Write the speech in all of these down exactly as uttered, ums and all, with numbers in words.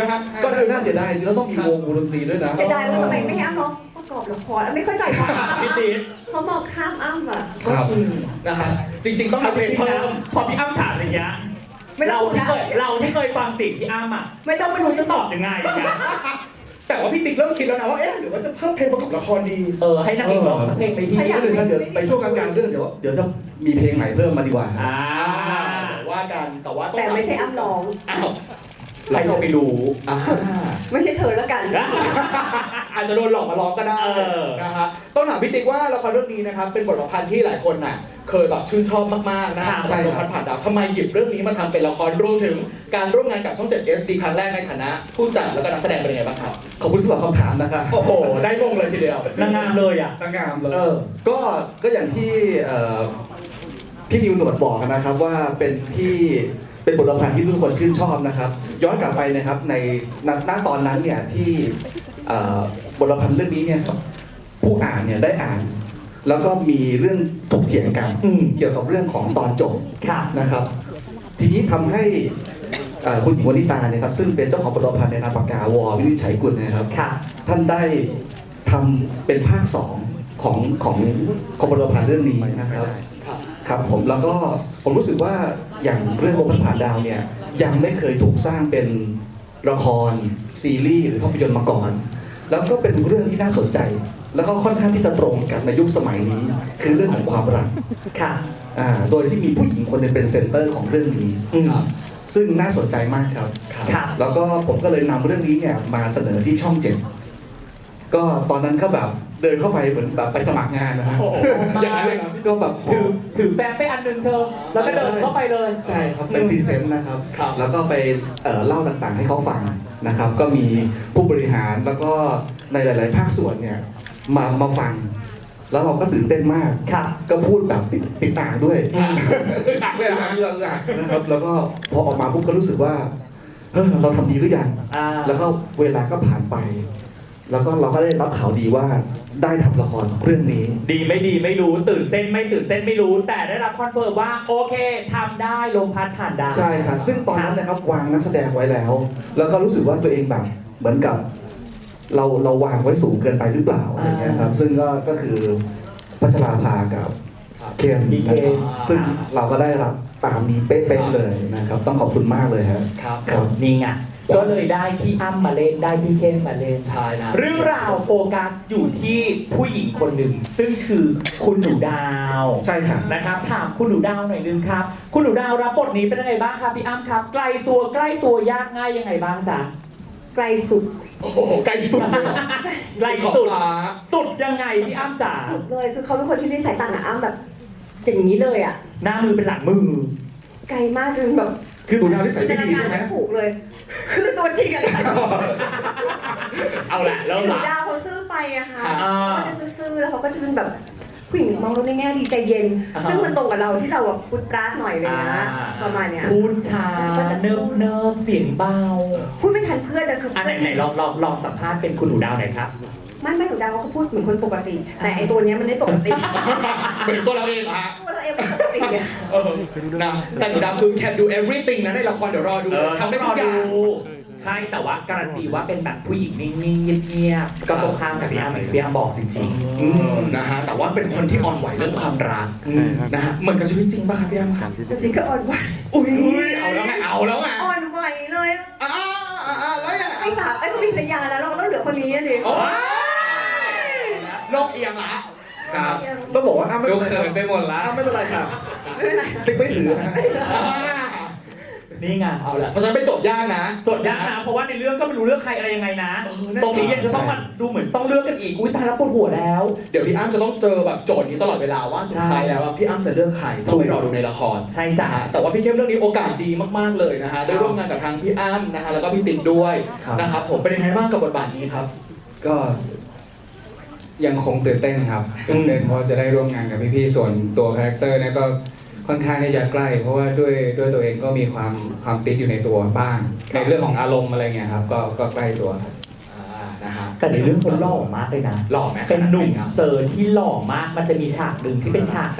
ฮะก็น่าเสียดายจริงๆแล้วต้องมีวงวงดนตรีด้วยนะเสียดายว่าทำไมไม่ให้อ้ำร้องประกอบละครอ้ำไม่เข้าใจเขาพี่ติ๊กเขามองข้ามอ้ำอ่ะครับนะฮะจริงๆต้องมีเพลงเพิ่มพอพี่อ้ำถามอย่างเงี้ยไม่ต้เราองที่นะเคยเราที่เคยฟังเสิ่งพี่อ้ำอ่ะไม่ต้องมาดูจะจะตตออบบ ยังไงอย่างเงี้ยแต่ว่าพี่ติ๊กเริ่มคิดแล้วนะว่าเอ๊ะหรือว่าจะเพิ่มเพลงประกอบละครดีเออให้นางเอกร้องสักเพลงไปพี่ก็เลยฉันเดี๋ยวไปช่วงกลางๆเรื่องเดี๋ยวเดี๋ยวจะมีเพลงใหม่เพิ่มมาดีกว่าอ่าว่ากันแต่ว่าต้องแต่ไม่ใช่อ้ำร้องอ้าวใครจะไปรู้อ่าไม่ใช่เธอแล้วกันอาจจะโดนหลอกมาร้องก็ได้เออนะฮะต้องถามพี่ติ๊กว่าละครเรื่องนี้นะครับเป็นบทประพันธ์ที่หลายคนน่ะเคยแบบชื่นชอบมากๆนะฮะใช่จากครับละครผ่านดาวทำไมหยิบเรื่องนี้มาทำเป็นละครรวมถึงการร่วมงานกับช่องเจ็ด เอส ดี ครั้งแรกในฐานะผู้จัดแล้วก็นักแสดงเป็นยังไงบ้างครับขอบคุณสำหรับคำถามนะครับโอ้โหได้มงเลยทีเดียวนางงามเลยอ่ะนางงามเลยเออก็ก็อย่างที่เอ่อพี่นิวหนวดบอกนะครับว่าเป็นที่เป็นบทประพันธ์ที่ทุกคนชื่นชอบนะครับ ย้อนกลับไปนะครับในณณตอนนั้นเนี่ยที่เอ่อบทประพันธ์เรื่องนี้เนี่ยผู้อ่านเนี่ยได้อ่าน แล้วก็มีเรื่องถกเถียงกันอืมเกี่ยวกับเรื่องของตอนจบค่ะนะครับ ทีนี้ทำให้เอ่อคุณหญิงวนิตาเนี่ยครับซึ่งเป็นเจ้าของบทประพันธ์ในนามปากกาวอวินิจฉัยกุลนะครับค่ะท่านได้ทำเป็นภาคสองของของของบทประพันธ์เรื่องนี้นะครับครับครับผมแล้วก็ผมรู้สึกว่าอย่างเรื่องลมพัดผ่านดาวเนี่ยยังไม่เคยถูกสร้างเป็นละครซีรีส์หรือภาพยนตร์มาก่อน แล้วก็เป็นเรื่องที่น่าสนใจ แล้วก็ค่อนข้างที่จะตรงกับในยุคสมัยนี้ คือเรื่องของความรักค่ะอ่าโดยที่มีผู้หญิงคนหนึงเป็นเซนเตอร์ของเรื่องนี้อืมครับซึ่งน่าสนใจมากครับครับแล้วก็ผมก็เลยนำเรื่องนี้เนี่ยมาเสนอที่ช่องเจ็ดก็ตอนนั้นก็แบบเดินเข้าไปเหมือนแบบไปสมัครงานนะฮะโอ้โหอย่างนั้นเลยนะก็แบบถือถือแฟ้มไปอันหนึงเธอ แล้วก็เดินเข้าไปเลยใช่ครับเป็นพรีเซนต์นะครับครับแล้วก็ไปเอ่อเล่าต่างๆให้เขาฟังนะครับ ก็มีผู้บริหารแล้วก็ในหลาย ๆ ภาคส่วนเนี่ยมามาฟัง แล้วเราก็ตื่นเต้นมากค่ะก็พูดแบบติดติดอ่างด้วยอืมอึดอัดเลยเรื่เหรออง ฮะเรื่องอ่ะนะครับแล้วก็พอออกมาปุ๊บก็รู้สึกว่าเออเราทำดีหรือยังอ่าแล้วก็เวลาก็ผ่านไป แล้วก็เราก็ได้รับข่าวดีว่าได้ทำละครเรื่องนี้ดีไม่ดีไม่รู้ตื่นเต้นไม่ตื่นเต้นไม่รู้ แต่ได้รับคอนเฟิร์มว่าโอเคทำได้ลมพัดผ่านดาวใช่ค่ะซึ่งตอนนั้นนะครับวางนักแสดงไว้แล้ว แล้วก็รู้สึกว่าตัวเองแบบเหมือนกับ เราเราวางไว้สูงเกินไปหรือเปล่าอะไรเงี้ยครับซึ่งก็ก็คือพัชราภากับครับเคมมีเคนะครับมซึ่งเราก็ได้รับตามนี้เป๊ะๆเลยนะครับ ต้องขอบคุณมากเลยครับครับครับนี่ไงก็เลยได้พี่อ้ำมาเล่นได้พี่เข้มมาเล่นใช่นะเรื่องราวโฟกัสอยู่ที่ผู้หญิงคนหนึ่ง ซึ่งชื่อคุณหนูดาวใช่ค่ะนะครับถามคุณหนูดาวหน่อยนึงครับ คุณหนูดาวรับบทนี้เป็นยังไงบ้างครับพี่อ้ำครับ ไกลตัวใกล้ตัวยากง่ายยังไงบ้างจ๊ะไกลสุดโอ้โหไกลสุดเลยเหรอไกลสุดขอบฟ้าสุดยังไงพี่อ้ำจ๋าสุดเลยคือเขาเป็นคนที่นิสัยต่างกับอ้ำแบบอย่างนี้เลยอ่ะหน้ามือเป็นหลังมือไกลมากจนแบบคือหนูดาวนิสัยไม่ดีใช่ไหมไม่ถูกเลย คือตัวจริงอะนะเอาละเริ่มหนูละดาวเขาซื่อไปอะค่ะอ่าเขาจะซื่อๆแล้วเขาก็จะเป็นแบบผู้หญิงมองเราในแง่ดีใจเย็นอ่าฮะซึ่งมันตรงกับเราที่เราแบบพุดปราดหน่อยเลยนะอ่าประมาณเนี้ยพูดช้าเนิบเนิบๆเสียงเบาพูดไม่ทันเพื่อนเลยคืออันไหนไหนลองลองลองสัมภาษณ์เป็นคุณหนูดาวหน่อยครับไม่ไม่หนูดาวเขาก็พูดเหมือนคนปกติ แต่ไอตัวเนี้ยมันไม่ปกติเป็นตัวเราเองเหรอฮะตัวเราเองมันปกติอะเออนะแต่หนูดาวคือ can do everything นะในละครเดี๋ยวรอดูเออทำได้ทุกอย่างใช่แต่ว่าการันตีว่าเป็นแบบผู้หญิงนิ่งๆเงียบๆก็ตรงข้ามกับพี่อ้ำเหมือนที่พี่อ้ำบอกจริงอืมนะฮะแต่ว่าเป็นคนที่อ่อนไหวเรื่องความรักๆอืมนะฮะเหมือนกับชีวิตจริงป่ะครับพี่อ้ำครับจริงๆก็อ่อนไหวอุ้ยเอาแล้วไงเอาแล้วไงอ่อนไหวเลยอะอ่าอ่าอ่าแล้วยังไงไอ้สามไอ้เขามีภรรยาแล้วเราก็ต้องเหลือคนนี้อะดิโอ้ยโลกเอียงละครับต้องบอกว่าอ้าไม่ดูเป็นไรเขินไปหมดละอ้าไม่เป็นไรค่ะไม่เป็นไรติ๊กไม่ถือนะฮะอ่านี่ไงเอาละเพราะฉะนั้นไปจบยากนะจดยากนะเพราะว่าในเรื่องก็ไม่รู้เลือกใครอะไรยังไงนะเออนั่นตรงนี้ยังจะต้องมาดูเหมือนต้องเลือกกันอีกอุ้ยตายแล้วปวดหัวแล้วเดี๋ยวพี่อ้ำจะต้องเจอแบบโจทย์นี้ตลอดเวลาว่าสุดท้ายแล้วอะพี่อ้ำจะเลือกใครต้องไปรอดูในละครใช่จ้ะนะฮะแต่ว่าพี่เข้มเรื่องนี้โอกาสดีมากๆเลยนะฮะได้ร่วมงานกับทางพี่อ้ำนะฮะแล้วก็พี่ติ๊กด้วยครับนะครับผมเป็นยังไงบ้างกับบทบาทนี้ครับก็ยังคงตื่นเต้นครับตื่นเต้นเพราะจะได้ร่วมงานกับพี่ๆส่วนตัวคาแรคเตอร์เนี่ยก็ค่อนข้างที่จะใกล้ เพราะว่าด้วยด้วยตัวเองก็มีความความติดอยู่ในตัวบ้าง ในเรื่องของอารมณ์อะไรเงี้ยครับก็ก็ใกล้ตัวครับอ่านะฮะแต่ในเรื่องเขาหล่อมากเลยนะหล่อไหมเป็นหนุ่มครับเซอร์ที่หล่อมากมันจะมีฉากหนึ่งที่เป็นฉากแบบ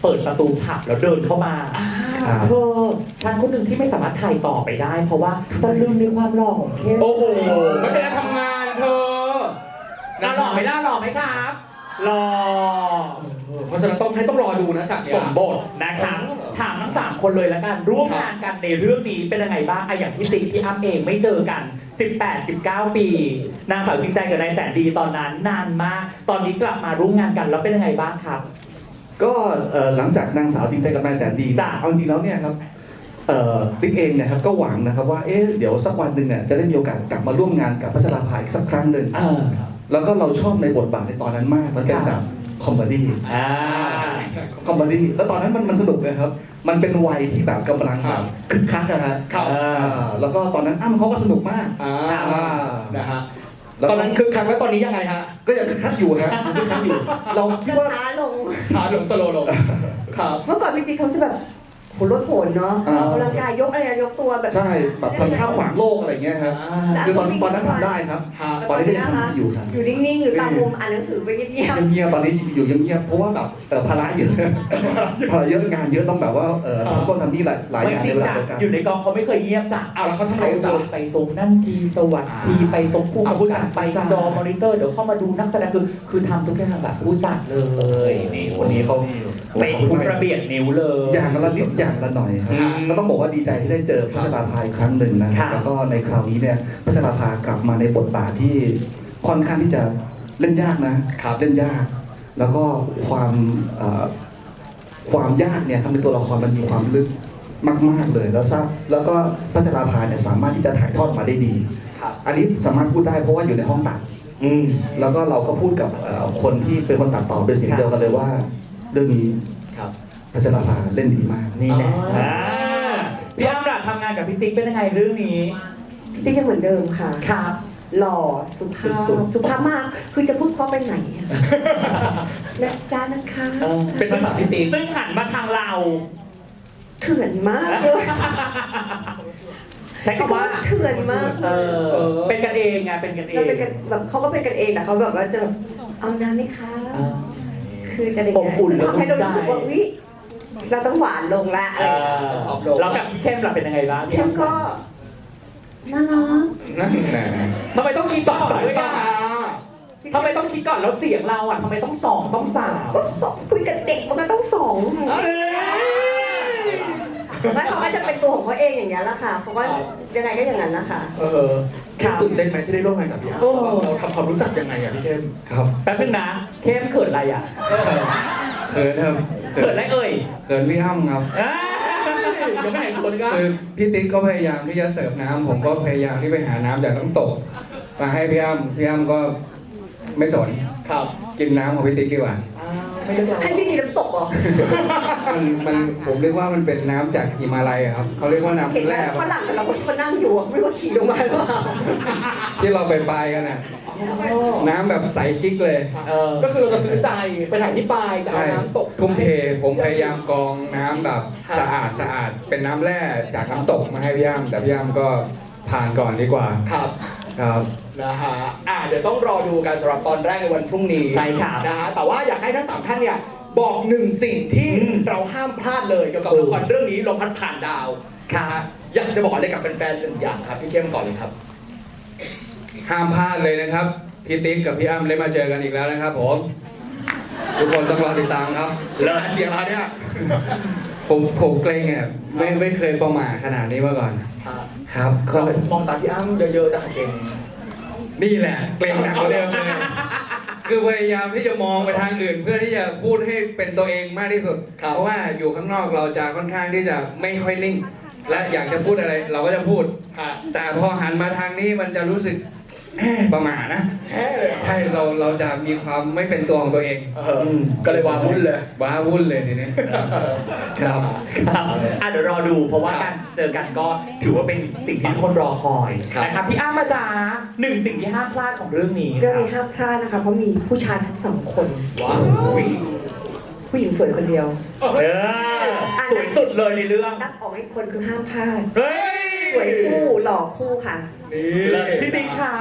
เปิดประตูผับแล้วเดินเข้ามาครับเธอฉันคนหนึ่งที่ไม่สามารถถ่ายต่อไปได้ เพราะว่าตะลึงในความหล่อของเข้มโอ้โหไม่เป็นการทำงานเธอน่าหล่อไหมล่าหล่อไหมครับหล่อเพราะฉะนั้นต้องให้ต้องรอดูนะฉากเนี้ยสมบทนะครับเออถามทั้งสามคนเลยแล้วกัน ร่วมงานกันในเรื่องนี้เป็นยังไงบ้างอะอย่างพี่ติ๊กพี่อ้ำเองไม่เจอกัน สิบแปด สิบเก้า ปี นางสาวจริงใจกับนายแสนดีตอนนั้นนานมาก ตอนนี้กลับมาร่วมงานกันแล้วเป็นยังไงบ้างครับก็เอ่อหลังจากนางสาวจริงใจกับนายแสนดีจ้ะเอาจริงแล้วเนี่ยครับเอ่อติ๊กเองเนี่ยครับก็หวังนะครับว่าเอ๊ะเดี๋ยวสักวันหนึ่งเนี่ยจะได้มีโอกาสกลับมาร่วมงานกับพัชราภาอีกสักครั้งหนึ่งเออแล้วก็เราชอบในบทบาทในตอนนั้นมากมันเป็นแบบคอมเมดี้อ่าคอมเมดี้แล้วตอนนั้นมันมันสนุกเลยครับ มันเป็นวัยที่แบบกำลังแบบคึกคักนะฮะครับอ่าแล้วก็ตอนนั้นอ้ำเขาก็สนุกมากอ่าอ่านะฮะแล้วตอนนั้นคึกคักแล้วตอนนี้ยังไงฮะก็ยังคึกคักอยู่ฮะยังคึกคักอยู่ เราคิดว่าช้าลงช้าลงสโลว์ลงครับเมื่อก่อนพี่ติ๊กเขาจะแบบโหรถโหนเนาะอ่าออกกำลังกายยกอะไรยกตัวแบบใช่แบบทำท่าขวางโลกอะไรเงี้ยครับอ่าคือตอนตอนนั้นทำได้ครับฮะตอนนี้ก็ยังทำอยู่ครับอยู่นิ่งๆอยู่ตามมุมอ่านหนังสือไปเงียบเงียบๆตอนนี้อยู่เงียบๆเพราะว่าแบบเอ่อภาระเยอะ ภาระเยอะงานเยอะต้องแบบว่าเอ่อทำต้นทำนี่หลายหลายไม่อย่างจริในงเวลาจ้ะเดียวกันอยู่ในกองเขาไม่เคยเงียบจ้ะเอาแล้วเขาทำอะไรเขากันจ๊ะเดินไปตรงนั่นทีสวัสดีอ่าไปตรงผู้อ่าผู้กำจักัดบไปผู้จัดจอมอนิเตอร์เดี๋ยวเข้ามาดูนักแสดงคือคือทำทุกอย่างแบบผู้จัดเลยนี่คนนี้เขาเป็นทุกระเบียดนิ้วเลยอย่างละนิดอย่างละหน่อยครับอืมก็ต้องบอกว่าดีใจที่ได้เจอพัชราภาอีกครั้งหนึ่งนะคครัรับบ แล้วก็ในคราวนี้เนี่ยพัชราภากลับมาในบทบาทที่ค่อนข้างที่จะเล่นยากนะครับ เล่นยาก แล้วก็ความเอ่อความยากเนี่ยครับในตัวละครมันมีความลึกมากๆเลยแล้วทราบแล้วก็พัชราภาเนี่ยสามารถที่จะถ่ายทอดมาได้ดีครับอันนี้สามารถพูดได้เพราะว่าอยู่ในห้องตัดอืมแล้วก็เราก็พูดกับเอ่อคนที่เป็นคนตัดต่อเป็นเสียงเดียวกันเลยว่า เรื่องนี้ครับพัชราภาเล่นดีมากนี่แหละอ๋ออ่อ่าพี่อ้ำล่ะทำงานกับพี่ติ๊กเป็นยังไงเรื่องนี้ๆพี่ติ๊กยังเหมือนเดิมค่ะครับหล่อสุภาพสุดๆสุภาพมากคือจะพูดเพราะไปไหนอะนะจ้านะคะเออเป็นภาษาพี่ติ๊กซึ่งหันมาทางเราเถื่อนมากเลยใช้คำว่าเถื่อนมากเอเลยอเป็นกันเองไงเป็นกันเอเรางเป็นกันแบบเขาก็เป็นกันเองแต่เขาแบบว่าจะแบบเอาน้ำไหมคะอ่าคือจะอย่างอบอุ่นคือทำให้เรารู้สึกว่าและอุ่นใจอุ๊ยเราต้องหวานลงละอะไรเออย่างเงี้ยอซอฟต์ลงแล้วกับพี่เข้มล่ะเป็นยังไงบ้างเข้มก็น่ารักนั่นแหละทำไมต้องคิดก่อนสายด้วยตาอ่ะทำไมต้องคิดก่อนแล้วเสียงเราอ่ะทำไมต้องสองต้องสามก็สองคุยกับเด็กมันก็ต้องสองเอ้ยไม่เขาก็จะเป็นตัวของเขาเองอย่างนี้ยแหละค่ะเขาก็ยังไงก็อย่างนั้นนะคะเออตื่นเต้นไหมที่ได้ร่วมงานกับพี่อ้ำเราทำความรู้จักยังไงอ่ะพี่เข้มครับแป๊บนึงนะเข้มเขินอะไรอ่ะเขินครับเขินอะไรเอ่ยเขินพี่อ้ำครับอ่ายังไม่เห็นคนก็คือพี่ติ๊กก็พยายามที่จะเสิร์ฟน้ำผมก็พยายามที่ไปหาน้ำจากน้ำตก มาให้พี่อ้ำพี่อ้ำก็ไม่สนครับกินน้ำของพี่ติ๊กดีกว่าอ้าวไม่ได้บอกให้พี่กินน้ำตกเหรอมันมันผมเรียกว่ามันเป็นน้ำจากหิมาลัยอะครับเขาเรียกว่าเห็นน้ำไหมแร่ฝรั่งแต่ละคนที่มานั่งอยู่อะไม่รู้ว่าฉี่ลงมาหรือเปล่าที่เราไปปลายกันน่ะน้ำแบบใสกิ๊กเลยเออก็คือเราจะซื้อใจไปถ่ายที่ปลายจะเอาใช่น้ำตกทุ่มเทผมพยายามกรองน้ำแบบครับสะอาดสะอาดเป็นน้ำแร่จากน้ำตกมาให้พี่อ้ำแต่พี่อ้ำก็ผ่านก่อนดีกว่าครับครับนะฮะอ่ะเดี๋ยวต้องรอดูกันสำหรับตอนแรกในวันพรุ่งนี้ใช่ครับนะฮะแต่ว่าอยากให้ทั้งสามท่านเนี่ยบอกหนึ่งสิ่งที่อืมเราห้ามพลาดเลยเกี่ยวกับละครเรื่องนี้ลมพัดผ่านดาวครับนะฮะอยากจะบอกอะไรกับแฟนๆหนึ่งอย่างครับพี่เข้มก่อนเลยครับห้ามพลาดเลยนะครับพี่ติ๊กกับพี่อ้ำได้มาเจอกันอีกแล้วนะครับผมทุกคนต้องรอติดตามครับเลิศเสียงเราเนี่ยผมผมเกรงอ่ะไม่ไม่เคยประหม่าขนาดนี้มาก่อนอ่ะครับก็ก็มองตาพี่อ้ำเยอะๆจะเก่งนี่แหละเกรงหนักกว่าเดิมเลยคือพยายามที่จะมองไปทางอื่น เพื่อที่จะพูดให้เป็นตัวเองมากที่สุด เพราะว่าอยู่ข้างนอกเราจะค่อนข้างที่จะไม่ค่อยนิ่ง และอยากจะพูดอะไรเราก็จะพูดฮะแต่พอหันมาทางนี้มันจะรู้สึกแหมประหม่านะแฮ่เลยเหรอใช่เราเราจะมีความไม่เป็นตัวของตัวเองเออก็เลยวาวุ่นเลยว้าวุ่นเลยทีนี้ครับครับอ่ะเดี๋ยวรอดูเพราะว่าการเจอกันก็ถือว่าเป็นสิ่งที่ทุกคนรอคอยครับนะครับพี่อ้ำมาจ้าหนึ่งสิ่งที่ห้ามพลาดของเรื่องนี้เรื่องนี้ครับห้ามพลาดนะคะเพราะมีผู้ชายทั้งสองคนว้าวผู้หญิงสวยคนเดียวเออสวยสุดเลยในเรื่องนักออกอีกคนคือห้ามพลาดเฮ้ยสวยคู่หล่อคู่ค่ะนี่เลยพี่ติ๊กครับ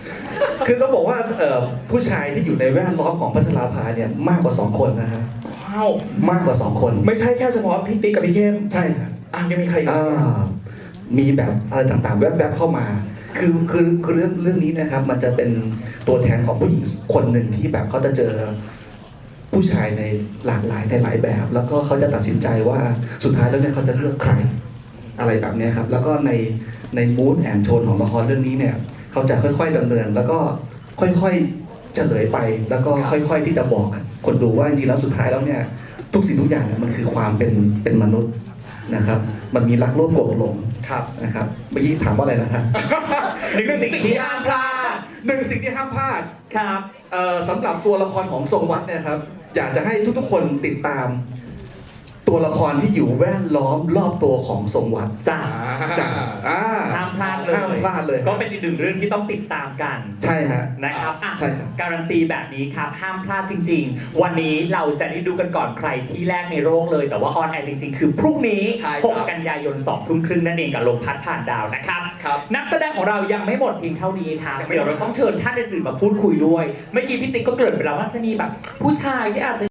คือต้องบอกว่าเอ่อผู้ชายที่อยู่ในแวดล้อมของพัชราภาเนี่ยมากกว่าสองคนนะครับว้าวมากกว่าสองคนไม่ใช่แค่เฉพาะพี่ติ๊กกับพี่เข้มใช่ครับอ่ะยังมีใครอีกอ่ามีแบบอะไรต่างๆ แวบๆเข้ามา คือคือคือเรื่องเรื่องนี้นะครับ มันจะเป็นตัวแทนของผู้หญิงคนหนึ่งที่แบบเขาจะเจอผู้ชายในหลากหลายในหลายแบบ แล้วก็เขาจะตัดสินใจว่าสุดท้ายแล้วเนี่ยเขาจะเลือกใครอะไรแบบเนี้ยครับ แล้วก็ในในมูดแอนโทนของละครเรื่องนี้เนี่ยเขาจะค่อยๆดำเนิน แล้วก็ค่อยๆเฉลยไป แล้วก็ค่อยๆที่จะบอกคนดูว่าจริงๆแล้วสุดท้ายแล้วเนี่ยทุกสิ่งทุกอย่างเนี่ยมันคือความเป็นเป็นมนุษย์นะครับ มันมีรักโลภโกรธหลงครับนะครับเมื่อกี้ถามว่าอะไรนะครับหนึ่งสิ่งที่ห้ามพลาดหนึ่งสิ่งที่ห้ามพลาดครับเอ่อสำหรับตัวละครของทรงวัดเนี่ยครับ อยากจะให้ทุกๆคนติดตาม ตัวละครที่อยู่แวดล้อมรอบตัวของทรงวัดจ้าจากอ่าห้ามพลาดเลยห้ามพลาดเลยก็เป็นอีกหนึ่งเรื่องที่ต้องติดตามกันใช่ฮะนะครับอ่ะใช่ครับการันตีแบบนี้ครับ ห้ามพลาดจริง ๆ วันนี้เราจะได้ดูกันก่อนใครที่แรกในโลกเลย แต่ว่าออนแอร์จริง ๆ คือพรุ่งนี้ใช่ครับหกกันยายนสองทุ่มครึ่งนั่นเองกับลมพัดผ่านดาวนะครับครับนักแสดงของเรายังไม่หมดเพียงเท่านี้ครับยังไม่หมดเดี๋ยวเราต้องเชิญท่านอื่นๆมาพูดคุยด้วย เมื่อกี้พี่ติ๊กก็เกริ่นไปแล้วว่าจะมีแบบผู้ชายที่อาจจะ